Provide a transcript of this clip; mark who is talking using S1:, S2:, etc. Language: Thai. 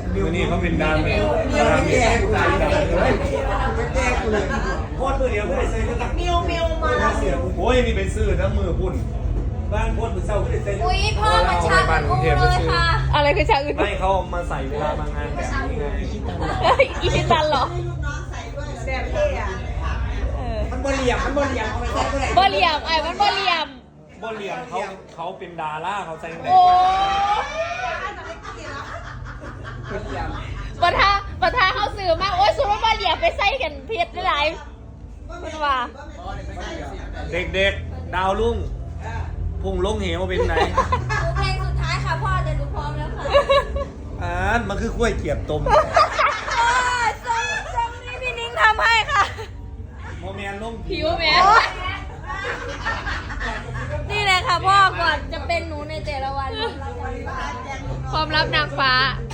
S1: วันนี้เขาเป็นดามเมจดามเมจกูเลยดามเลยแก้กูเลยโคตรตัวเดียวไม่ได้ใส่ก็ตักมิวมาโอ้ยนี่เป็นซื้อน้ำมือพุ่นบ้านพุ่นมือเศร้าไม่ได้ใส่
S2: อุ้ยพ่อมันชาอูเลยค่ะ
S3: อะไรคือชาอื่น
S1: ไม่เขามาใส่เวลามางานแบบนี้ไง
S3: อีชิตันเหรอ
S4: แบบเท่อะมันบริยมเอาไปใช้ก็ได้
S3: บ่เหลี่ยมไอ้มันบ่เหลี่ยม
S1: บ่เลียงเขาเป็นดาราเขาใส่ไหน
S3: โอ้ปะทาเขาสื่อมากโอ้ยสุดว่าบ่เหลี่ยมไปใส่กันเพียดได้หลายมันว่า
S1: เด็กๆดาวลุ่งพุ่งลงเหวเป็นไหน
S2: เพลงสุดท้ายค่ะพ่อจะดูพร้อมแล้วค่ะ
S1: มันคือกล้วยเกียบต้ม
S3: ทรงนี้พี่นิ้งทำให้ค่ะ
S1: โมเมนลง
S3: ผิวแม่
S2: นี่แหละค่ะพ่อก่อนจะเป็นหนูในแต่ละวัน
S3: ความลับนางฟ้า